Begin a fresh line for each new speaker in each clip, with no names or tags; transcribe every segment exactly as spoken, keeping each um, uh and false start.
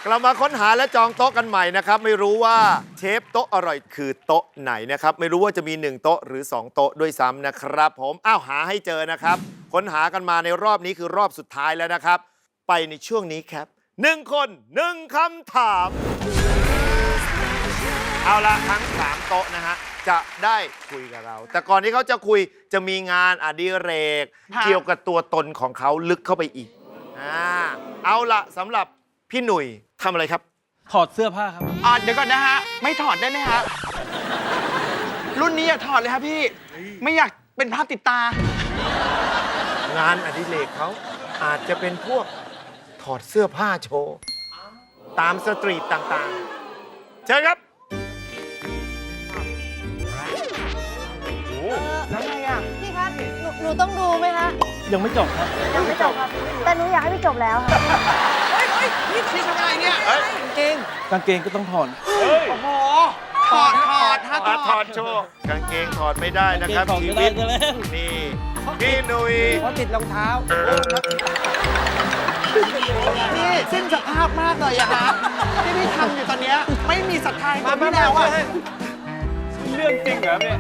เรามาค้นหาและจองโต๊ะกันใหม่นะครับไม่รู้ว่าเชฟโต๊ะอร่อยคือโต๊ะไหนนะครับไม่รู้ว่าจะมีหนึ่งโต๊ะหรือสองโต๊ะด้วยซ้ำนะครับผมอ้าวหาให้เจอนะครับค้นหากันมาในรอบนี้คือรอบสุดท้ายแล้วนะครับไปในช่วงนี้ครับหนึ่งคนหนึ่งคำถามเอาละทั้งสามโต๊ะนะฮะจะได้คุยกับเราแต่ก่อนที่เขาจะคุยจะมีงานอดิเรกเกี่ยวกับตัวตนของเขาลึกเข้าไปอีกอ่าเอาละสำหรับพี่หนุ่ยทำอะไรครับ
ถอดเสื้อผ้าครับ
อ่าเดี๋ยวก่อนนะฮะไม่ถอดได้ไหมฮะรุ่นนี้อย่าถอดเลยครับพี่ไม่อยากเป็นภาพติดตาง
านอดิเรกเขาอาจจะเป็นพวกถอดเสื้อผ้าโชว์ตามสตรีทต่างๆเชิญครับ
แล้วไงอ่ะ
พี่ครับหนูหนูต้องดูไหมคะ
ยังไม่จบครับ
ยังไม่จบครับ แต่หนูอยากให้พี่จบแล้วค่ะ
เฮ้ยเฮ้ยนี่พี่ทำอะไรเนี่ยกางเกง
กางเกงก็ต้องถอด
โอ้โหถอดถอดฮะถอด
ถอดโชว์กางเกงถอดไม่ได้นะครับ
กางเกงถอดไม่ได้
ชีวิต
ซะแล้ว
นี่พี่หนุ่ย
เพราะติดรองเท้านี่สิ้นสภาพมากเลยอะฮะที่พี่ทำอยู่ตอนเนี้ยไม่มีศรัทธามาพี่แล้วอะ
เรื่องจริงเหรอเนี่ย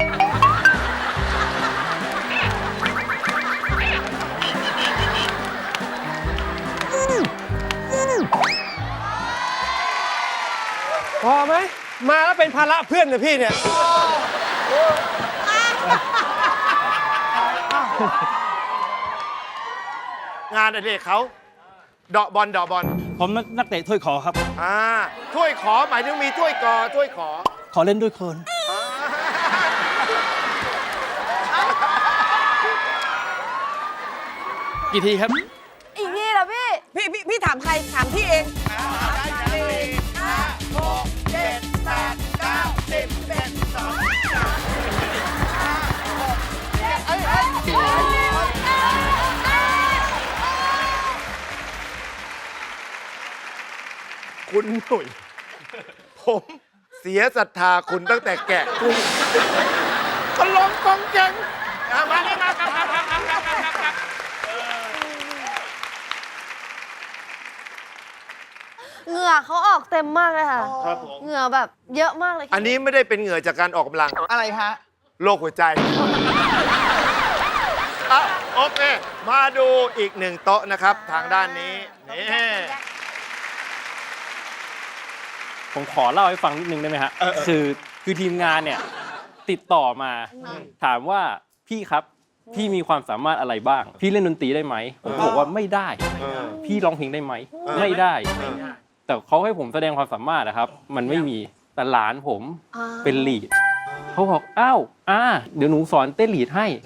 พอไหมมาแล้วเป็นภาระเพื่อนเลยพี่เนี่ย
งานอดิเรกเขาเดาะบอลเดาะบอล
ผมนักเตะถ้วยขอครับ
อ่าถ้วยขอหมายถึงมีถ้วยกอถ้วยขอ
ขอเล่นด้วยคน กี่ทีครับ
อีกทีเหรอพี่
พี่พี่พี่ถามใคร ถามพี่เอง
คุณหนุ่ยผมเสียศรัทธาคุณตั้งแต่แกะกุ้งก็ลงกองแกงอ่ะมานี่มาครับครับครับครับครับครับ
เหงื่อเขาออกเต็มมากเลยค่ะ
ครับผม
เหงื่อแบบเยอะมากเลย
อันนี้ไม่ได้เป็นเหงื่อจากการออกกำลัง
อะไรฮะ
โรคหัวใจอ่ะโอเค มาดูอีกหนึ่งโต๊ะนะครับ ทางด้านนี้นี่
ผมขอเล่าให้ฟังนิดนึงได้ไหมฮะคือคือทีมงานเนี่ยติดต่อมา ถามว่าพี่ครับพี่มีความสามารถอะไรบ้าง พี่เล่นดนตรีได้ไหมผมบอกว่าไม่ได้ พี่ร้องเพลงได้ไหมไม่ได้ แต่เขาให้ผมแสดงความสามารถนะครับ มันไม่มีแต่หลานผมเป็นลีดเขาบอกอ้าวอ่าเดี๋ยวหนูสอนเต้นลีดให้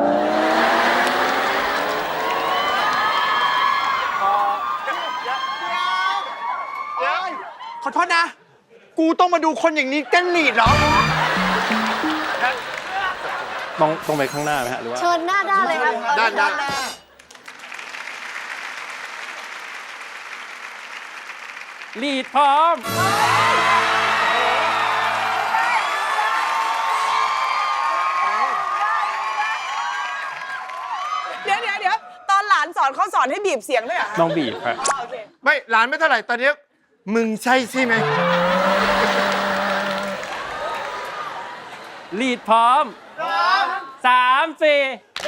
ขอโทษนะ กูต้องมาดูคนอย่างนี้เต้นลีดเหรอ
ต้องต้องไปข้างหน้าไหมฮะหรือว่า
เชิญหน้าด้านเลยครับ
ด้านด้าน
ลีดพร้อม
เดี๋ยวเดี๋ยวเดี๋ยวตอนหลานสอนเขาสอนให้บีบเสียงด้วยเหรอ
น้องบีบครับ
ไม่หลานไม่เท่าไหร่ตอนนี้มึงใช่ใช่ไหม
ลีดพร้อมสามสี่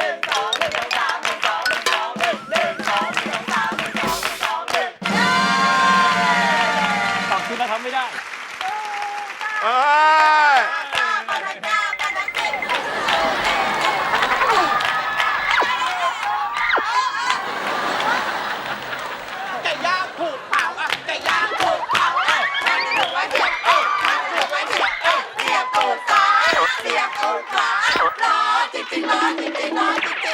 สองชุดแล้วทำไม่ได้
เอ้ย
ไก่ย่างผูกเป่าอ่ะไก่ย่างผูกเป่าอ่ะมันถูกไว้เสียบเอ้ยมันถูกไว้เสียบเอ้ยเสียบตูดซ้ายเสียบตูดขวารอจริงจริงรอจริงจริงรอจริงจริง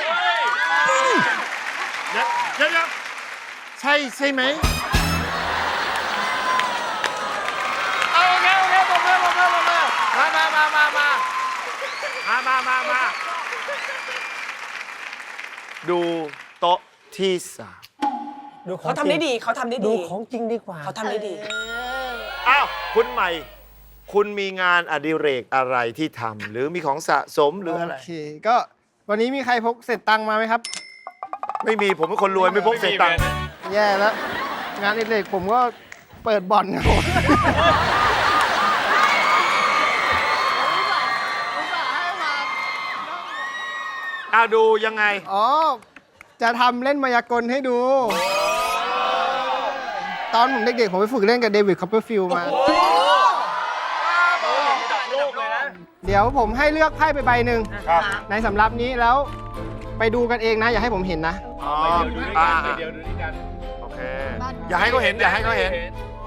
เดี๋ยวเดี๋ยวเดี๋ยวใช่ใช่ไหมเอาโอเคโอเคบอกเลยบอกเลยบอกเลยมามามามามามามามามาดูโต๊ะที่สาม
ดูของ
เขาทำได้ดีเขาทำได้
ดู
ดี
ของจริงดีกว่า
เขาทำได้ดี
อ้าวคุณใหม่ คุณมีงานอดิเรกอะไรที่ทำหรือมีของสะสมหรืออะไร
โอเค ก็วันนี้มีใครพกเศษตังค์มาไหมครับ
ไม่มีผมเป็นคนรวยไม่พกเศษตังค์
แย่แล้ว งานอดิเรกผมก็
เปิดบ่อนครับผม
เอาดูยังไง
อ๋อ จะทำเล่นมายากลให้ดู ตอนผมเด็กๆ ผมไปฝึกเล่นกับเดวิดคอปเปอร์ฟิลด์มา เดี๋ยวผมให้เลือกไพ่ไปใบหนึ่งในสำรับนี้แล้วไปดูกันเองนะ อย่าให้ผมเห็นนะ
อ๋ออ่าเดี๋ยวดูด้วยกัน โอเค อย่าให้เขาเห็น อย่าให้เขาเห็น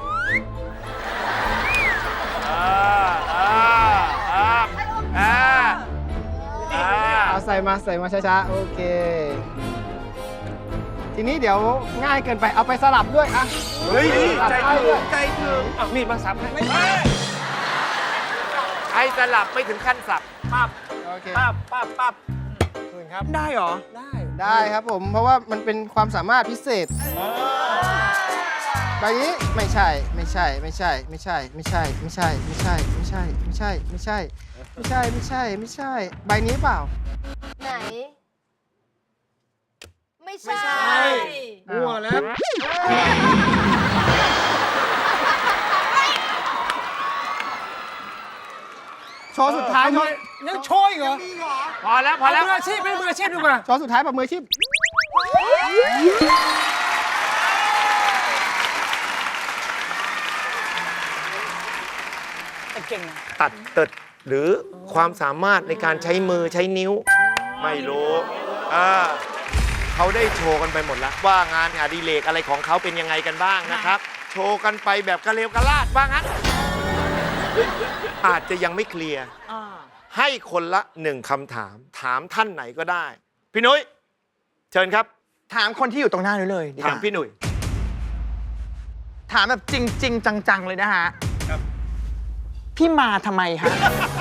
อ่าอ่าอ่าอ่าอ่า
เอาใส่มาใส่มาช้าๆ โอเค ทีนี้เดี๋ยวง่ายเกินไปเอาไปสลับด้วยอ่ะ
เฮ้ย
ใจถึง
ใจถึง
อ่ะมีดมาสับให้
ใครสลับไม่ถึงขั้นสับ
ปั๊บ
โอเค
ปั๊บปั๊บปั๊บคืนครับ
ได้เหรอ
ได้
ได้ครับผม เพราะว่ามันเป็นความสามารถพิเศษใบนี้ไม่ใช่ ไม่ใช่ ไม่ใช่ ไม่ใช่ ไม่ใช่ ไม่ใช่ ไม่ใช่ ไม่ใช่ ไม่ใช่ ไม่ใช่ ไม่ใช่ ไม่ใช่ ไม่ใช่ ใบนี้เปล่า
ไหน ไม่ใช่
มั่วแล้ว โชว์สุดท้ายโชว์
ยังโชยเหรอ
พอแล้ว พอแล้ว
มืออาชีพไม่มืออาชีพดีกว่า
โชว์สุดท้ายแบบมืออาชีพ
เก่งนะ
ตัดเติดหรือความสามารถในการใช้มือใช้นิ้ว ไม่รู้อ่าเขาได้โชว์กันไปหมดแล้ว ว่างานอดิเรกอะไรของเขาเป็นยังไงกันบ้างนะครับ โชว์กันไปแบบกระเลวกระลาดบ้างฮะอาจจะยังไม่เคลียร์ให้คนละหนึ่งคำถาม ถามท่านไหนก็ได้ พี่นุ้ยเชิญครับ
ถามคนที่อยู่ตรงหน้านี้เลยดีก
ถาม
ว่า
พี่หนุ่ย
ถามแบบจริงจริงๆจัง ๆ เลยนะฮะพี่มาทำไมฮะ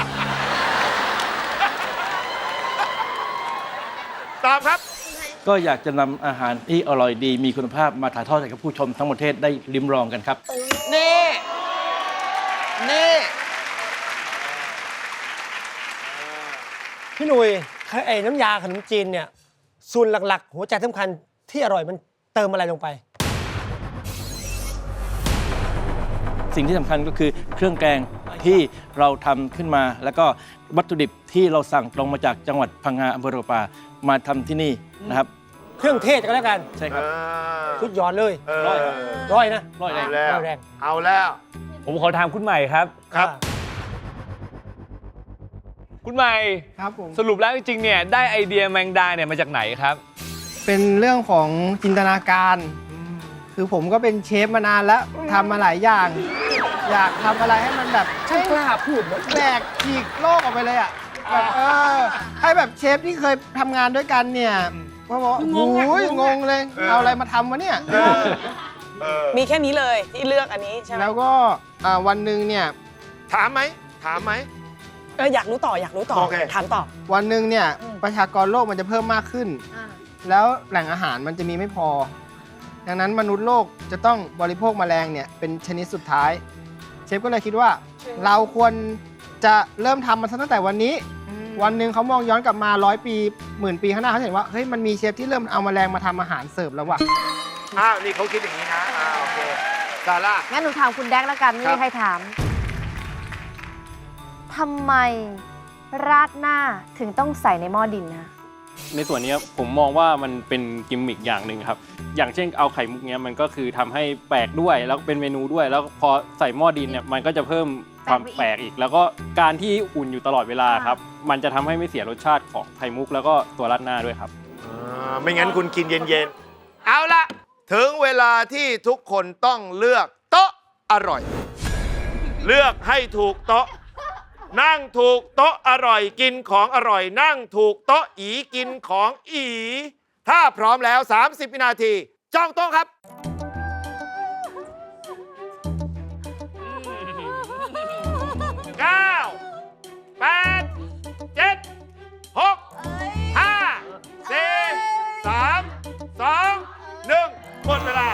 ตอบครับ
ก็อยากจะนำอาหารที่อร่อยดีมีคุณภาพมาถ่ายทอดให้กับผู้ชมทั้งประเทศได้ลิ้มลองกันครับ
นี่ นี่
พี่หนุ่ยไอ้น้ำยาขนมจีนเนี่ยส่วนหลักๆ หัวใจสำคัญที่อร่อยมันเติมอะไรลงไป
สิ่งที่สำคัญก็คือเครื่องแกงที่เราทำขึ้นมา แล้วก็วัตถุดิบที่เราสั่งตรงมาจากจังหวัดพังงาอำเภอโรปามาทำที่นี่นะครับ
เครื่องเทศก็แล้วกัน
ใช่ครับ
สุดยอดเลย
เออ
ร้อยร้อยนะ
ร้อยแรง
เอาแล้ว
ร้อยแรง
เอาแล้ว
ผมขอถามคุณใหม่ครับ
ครับ
คุณใหม่
ครับผม
สรุปแล้วจริงๆเนี่ยได้ไอเดียแมงดาเนี่ยมาจากไหนครับ
เป็นเรื่องของจินตนาการ คือผมก็เป็นเชฟมานานแล้วทำมาหลายอย่าง อยากทำอะไรให้มันแบบ
ช่างกล้าพูดนะ
แบกฉีกโลกออกไปเลยอ่ะแบบเออให้แบบเชฟที่เคยทำงานด้วยกันเนี่ยก็บอกว่าโอ้ยงงเลย เอาอะไรมาทำวะเนี่ย
มีแค่นี้เลยที่เลือกอันนี้ใช่ไหม
แล้วก็อ่าวันหนึ่งเนี่ย
ถามไหม ถามไหม
เอออยากรู้ต่ออยากรู้ต่อ
โอเค
ถามต่อ
วันหนึ่งเนี่ยประชากรโลกมันจะเพิ่มมากขึ้น
อ่ะ
แล้วแหล่งอาหารมันจะมีไม่พอ ดังนั้นมนุษย์โลกจะต้องบริโภคแมลงเนี่ยเป็นชนิดสุดท้าย เชฟก็เลยคิดว่า เราควรจะเริ่มทำมันตั้งแต่วันนี้ วันหนึ่งเขามองย้อนกลับมาร้อยปีหมื่นปีข้างหน้าเขาเห็นว่าเฮ้ยมันมีเชฟที่เริ่มเอาแมลงมาทำอาหารเสิร์ฟแล้วว่ะ
อ้าว นี่เขาคิดอย่างนี้นะอ้าวโอเคซาร่า
งั้นหนูถามคุณแดกแล้วกัน ไม่
ครั
มี
บ
ใครถาม ทำไมราดหน้าถึงต้องใส่ในหม้อดินนะ
ในส่วนนี้ผมมองว่ามันเป็นกิมมิคอย่างหนึ่งครับ อย่างเช่นเอาไข่มุกเนี้ยมันก็คือทำให้แปลกด้วยแล้วเป็นเมนูด้วย แล้วพอใส่หม้อดินเนี่ยมันก็จะเพิ่มความแปลกอีก แล้วก็การที่อุ่นอยู่ตลอดเวลาครับ มันจะทำให้ไม่เสียรสชาติของไข่มุกแล้วก็ตัวราดหน้าด้วยครับ
อ่าไม่งั้นคุณกินเย็นๆ เอาละถึงเวลาที่ทุกคนต้องเลือกโต๊ะอร่อย เลือกให้ถูกโต๊ะ นั่งถูกโต๊ะอร่อยกินของอร่อย นั่งถูกโต๊ะอีกินของอี ถ้าพร้อมแล้ว สามสิบ วินาทีจ้องโต๊ะครับ เก้า แปด เจ็ด หก ห้า สี่ สาม สอง หนึ่งหมดเวลา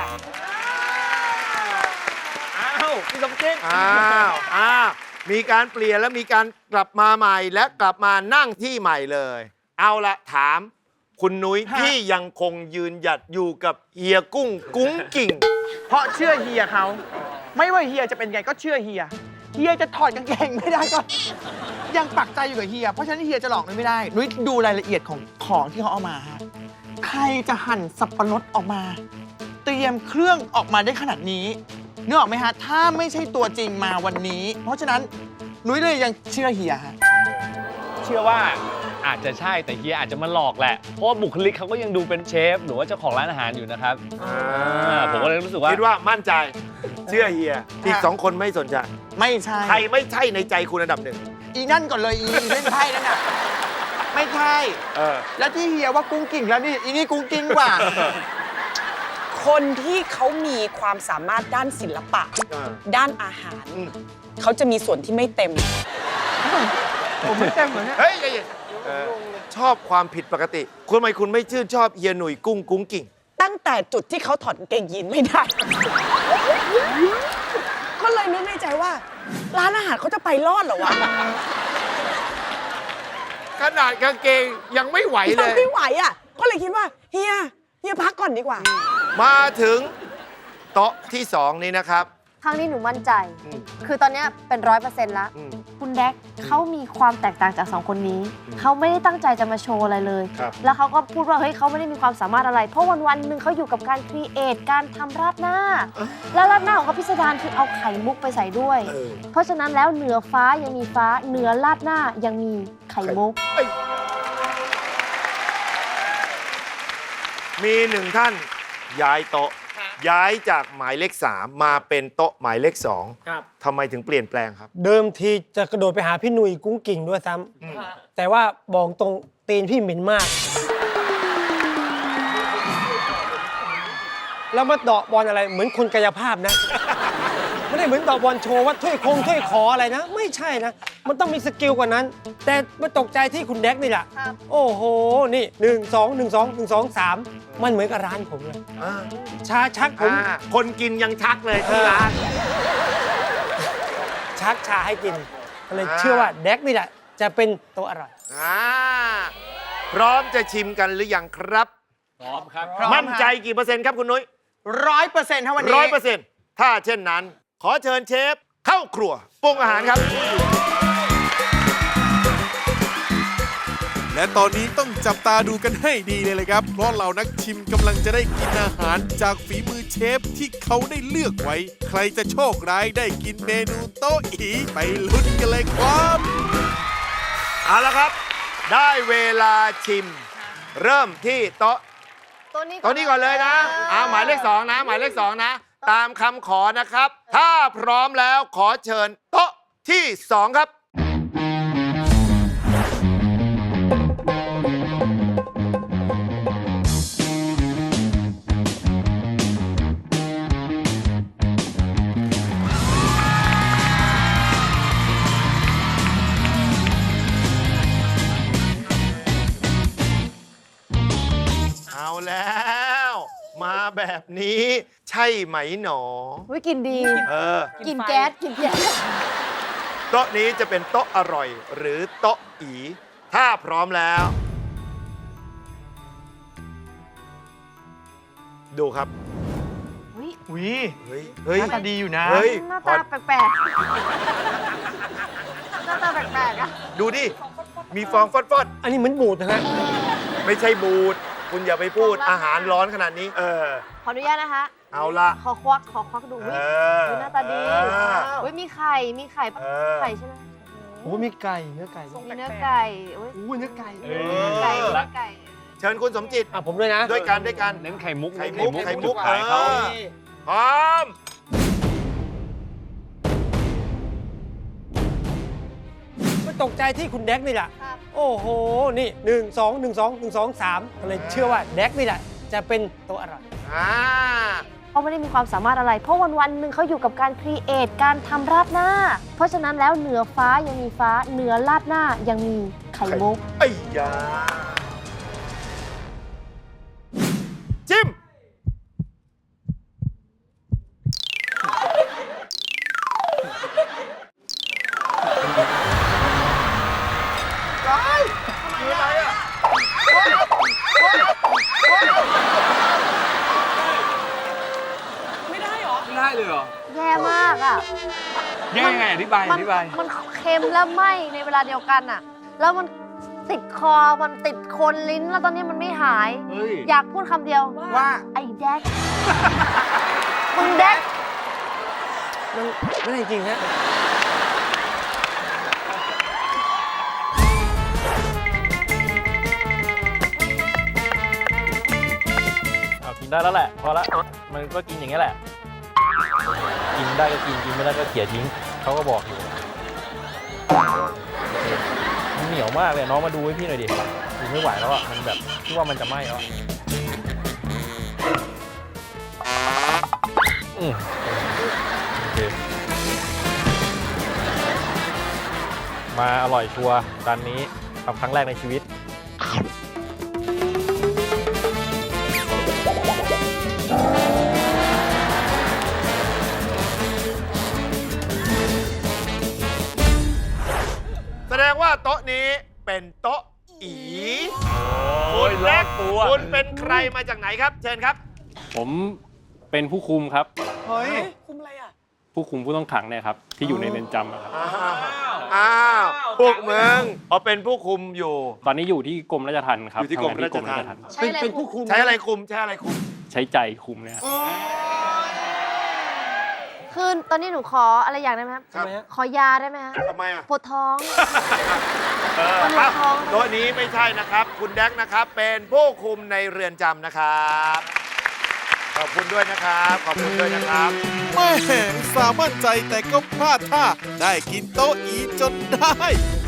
อ้าวพี่สมจิต
อ้าวอ้าวมีการเปลี่ยนแล้วมีการกลับมาใหม่และกลับมานั่งที่ใหม่เลย เอาละถามคุณนุ้ยที่ยังคงยืนหยัดอยู่กับเฮียกุ้งกุ้งกิ่ง
เพราะเชื่อเฮียเขาไม่ว่าเฮียจะเป็นไงก็เชื่อเฮีย เฮียจะถอดกางเกงไม่ได้ก็ ยังปักใจอยู่กับเฮีย เพราะฉะนั้นเฮียจะหลอกนุ้ยไม่ได้ นุ้ยดูรายละเอียดของของที่เขาเอามาฮะ ใครจะหั่นสับปะรดออกมา เตรียมเครื่องออกมาได้ขนาดนี้นึกออกไหมฮะ ถ้าไม่ใช่ตัวจริงมาวันนี้ เพราะฉะนั้นนุ้ยเลยยังเชื่อเฮียฮะ
เชื่อว่าอาจจะใช่แต่เฮียอาจจะมาหลอกแหละ เพราะว่าบุคลิกเขาก็ยังดูเป็นเชฟหรือว่าเจ้าของร้านอาหารอยู่นะครับอ่าผมก็เลยรู้สึกว่า
คิดว่ามั่นใจเชื่อเฮียอีกสองคนไม่สนใจ
ไม่ใช่
ใครไม่ใช่ในใจคุณอันดับหนึ่ง
อีนั่นก่อนเลยอีอีเล่นไพ่นั่นน่ะไม่ใช่
เออ
แล้วที่เฮียว่ากุ้งกิ่งแล้วนี่อีนี่กุ้งกิ่งกว่า
คนที่เขามีความสามารถด้านศิลปะ
เออ
ด้านอาหาร
อืม
เขาจะมีส่วนที่ไม่เต็ม
ผมไม่เต็มเหมือนเนี่ย
เฮ้ยใจเย็นเออชอบความผิดปกติ คุณทำไมคุณไม่ชื่นชอบเฮียหนุ่ยกุ้งกุ้งกิ่ง
ตั้งแต่จุดที่เขาถอดกางเกงยีนไม่ได้ ก็เลยนึกในใจว่า ร้านอาหารเขาจะไปรอดเหรอวะ
ขนาดกางเกงยังไม่ไหวเล
ยัง
ย
ไม่ไหวอ่ะ ก็เลยคิดว่าเฮียเฮียพักก่อนดีกว่า
มาถึงโต๊ะที่สองนี้นะครับ
ครั้งนี้หนูมั่นใจ
อืม
คือตอนเนี้ยเป็นร้อยเปอร์เซ็นต์ละ
อืม
คุณแดกเขามีความแตกต่างจากสองคนนี้
อืม
เขาไม่ได้ตั้งใจจะมาโชว์อะไรเลย
ครับ
แล้วเขาก็พูดว่าเฮ้ยเขาไม่ได้มีความสามารถอะไร เพราะวันวันๆหนึ่งเขาอยู่กับการครีเอทการทำราดหน้า แล้วราดหน้าของเขาพิสดารคือเอาไข่มุกไปใส่ด้วย
เออ
เพราะฉะนั้นแล้วเหนือฟ้ายังมีฟ้าเหนือราดหน้ายังมีไข่มุก
เอ้ยมีหนึ่งท่านย้ายโต๊ะ ย้ายจากหมายเลขสามมาเป็นโต๊ะหมายเลขสอง
ครับ
ทำไมถึงเปลี่ยนแปลงครับ
เดิมทีจะกระโดดไปหาพี่หนุ่ยกุ้งกิ่งด้วยซ้ำแต่ว่าบอกตรงตีนพี่เหม็นมาก แล้วมาเดาะบอลอะไรเหมือนคนกายภาพนะ ไม่ได้เหมือนเดาะบอลโชว์ว่าถ้วยคงถ้วยขออะไรนะ ไม่ใช่นะ มันต้องมีสกิลกว่านั้น แต่มาตกใจที่คุณแดกนี่แหละ
ครับ
โอ้โห นี่หนึ่งสองหนึ่งสองหนึ่งสองสามมันเหมือนกับร้านผมเลย
อ่า
ชาชักผม
อ่าคนกินยังชักเลยที่ร้าน
ชักชาให้กินก็เลย
อ่า
เชื่อว่าแดกนี่แหละจะเป็นตัวอร่อย
อ่าพร้อมจะชิมกันหรือยังครับ
พร้อมครับ
มั่นใจกี่เปอร์เซ็นต์ครับคุณนุ้ย
ร้อยเปอร์เซ็นต์ถ้าวันนี้
ร้อยเปอร์เซ็นต์ถ้าเช่นนั้น ขอเชิญเชฟเข้าครัวปรุงอาหารครับ
และตอนนี้ต้องจับตาดูกันให้ดีเลยเลยครับ เพราะเรานักชิมกำลังจะได้กินอาหารจากฝีมือเชฟที่เขาได้เลือกไว้ ใครจะโชคร้ายได้กินเมนูโต๊ะอีไปลุ้นกันเลยครับ
เอาละครับ ได้เวลาชิม เริ่มที่โต๊ะ
ตัวนี้
โต๊ะนี้ก่อนเลยนะอ่าหมายเลขสองนะ หมายเลขสองนะ ตามคำขอนะครับ ถ้าพร้อมแล้วขอเชิญโต๊ะที่สองครับ เอาแล้ว มาแบบนี้ใช่ไหมหนอ
วิกินดี
เออ
กินแก๊สกินแก๊ส
โต๊ะนี้จะเป็นโต๊ะอร่อย หรือโต๊ะอี ถ้าพร้อมแล้ว ดูครับ
อุ้ย
เฮ้ย เฮ้ย
หน้าตาดีอยู่นะ
เฮ้ย
หน้า
พอ
ตาแปลกๆหน้าตาแปลกๆอะ
ดูดิ มีฟองฟอด
อันนี้เหมือนบูดนะฮะ
ๆ ไม่ใช่บูด คุณอย่าไปพูดอาหารร้อนขนาดนี้ เออ
ขออนุญาตนะคะ
เอาละ
ขอควักขอควักดู
เอ
วิ
อ
หน้าตาดี
เออ
เฮ้ยมีไข่ มีไข่
เออ
ไข่ใช่ไหม
โอ้มีไก่ เนื้อไก่
มีเนื้อไก่โอ้ย
โอ้เนื้อไก่
เอ
อ
เนื้อไก่เนื้อไก่
เชิญคุณสมจิต
อ่ะผมด้วยนะ
ด้วยกันด้วยกัน
เน้นไข่มุก
ไข่มุก
เน้น
ไข่มุก
จุดขายเขา
เออ พร้อม
ไม่ตกใจที่คุณแดกนี่แหละ
ครับ
โอ้โห นี่หนึ่งสองหนึ่งสองหนึ่งสองสามก็เลยเชื่อว่าแดกนี่แหละจะเป็นตัวอร่อย
อ่า
เขาไม่ได้มีความสามารถอะไร เพราะวันวันๆหนึ่งเขาอยู่กับการครีเอทการทำราดหน้า เพราะฉะนั้นแล้วเหนือฟ้ายังมีฟ้าเหนือราดหน้ายังมีไข่มุก
ไอ้ยา จิ้ม คืออะไรอ่ะ
ไม่ได้เหรอ
ไม่ได้เลยเหรอ
ไ
แย่มากอ่ะ
แย่ยังไงอธิบาย
มั
อธิบาย
มันเค็มและไหม้ในเวลาเดียวกันอ่ะ แล้วมันติดคอมันติดโคนลิ้นแล้วตอนนี้มันไม่หาย
เฮ้ย
อยากพูดคำเดียว
ว่า
ไอ้แดก มึงแดก
มันไม่ได้จริงฮะ
เอากินได้แล้วแหละ พอละมันก็กินอย่างนี้ยแหละ กินได้ก็กิน กินไม่ได้ก็เขี่ยทิ้ง เขาก็บอกอยู่มันเหนียวมากเลยน้องมาดูให้พี่หน่อยดิดูไม่ไหวแล้วอ่ะ มันแบบที่ว่ามันจะไหม้แล้วอะอืมโอเค มาอร่อยชัวร์ร้านนี้ทำครั้งแรกในชีวิต
แสดงว่าโต๊ะนี้เป็นโต๊ะอี
โอ้ย
แรก
ตัว
คุณเป็นใครมาจากไหนครับ เชิญครับ
ผมเป็นผู้คุมครับ
เฮ้ย
คุมอะไรอ่ะ
ผู้คุมผู้ต้องขังเนี่ยครับ ที่อยู่ในเรือนจำอะครับ
อ้าวพวกมึงเขาเป็นผู้คุมอยู่
ตอนนี้อยู่ที่กรมราชทัณฑ์ครับ
อยู่ที่กรม
ทำงน
ราชทัณฑ์
ใช้
เป็น
อะไร
เป็น
คุ
ผู้
ม
คุม
ใช้อะไรคุม ใช้อะไรคุม
ใช้ใจคุมเนี่ยครับ
คือตอนนี้หนูขออะไรอย่างได้ไหมครับ
ครับ
ขอยาได้ไหมฮะ
ทำไมอ่ะ
ปวดท้อง
เออ
คน
ค
ละ
รับ
ท้อง
โต๊ะนี้ไม่ใช่นะครับ คุณแดกนะครับ เป็นผู้คุมในเรือนจำนะครับ ขอบคุณด้วยนะครับ ขอบคุณด้วยนะครับ
แม่อุตสาห์มั่นใจแต่ก็พลาดท่าได้กินโต๊ะอีจนได้